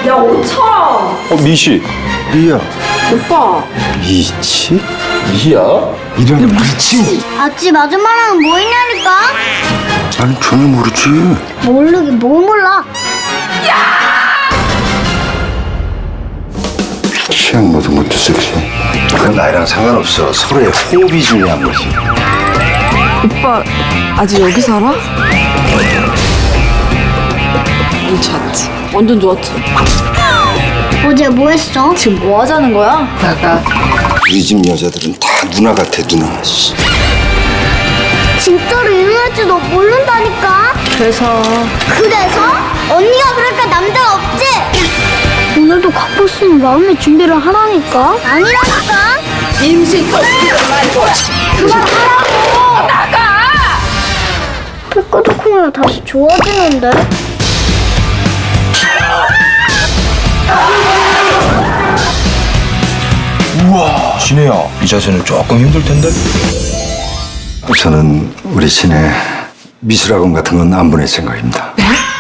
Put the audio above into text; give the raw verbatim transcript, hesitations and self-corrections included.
야, 오천! 어, 미씨. 미야. 오빠. 미치? 미야? 이런 미치? 아침 아줌마랑 뭐 있냐니까? 나는 전혀 모르지. 모르긴 뭘 몰라. 취향 모든 것도 섹시해. 그건 나이랑 상관없어. 서로의 호흡이 중요한 거지. 오빠, 아직 여기 살아? 괜찮지. 완전 좋았지. 어제 뭐 했어? 지금 뭐 하자는 거야? 나가. 우리 집 여자들은 다 누나 같아, 누나. 씨. 진짜로 일어날지도 모른다니까. 그래서 그래서? 언니가 그러니까 남자가 없지? 오늘도 갖고 쓰는 마음의 준비를 하라니까. 아니라니까. 임신 터지기를 말고. 그만하라고. 나가. 삐까덕하면 다시 좋아지는데? 우와, 진혜야. 이 자세는 조금 힘들 텐데. 저는 우리 신의 미술학원 같은 건 안 보낼 생각입니다. 네?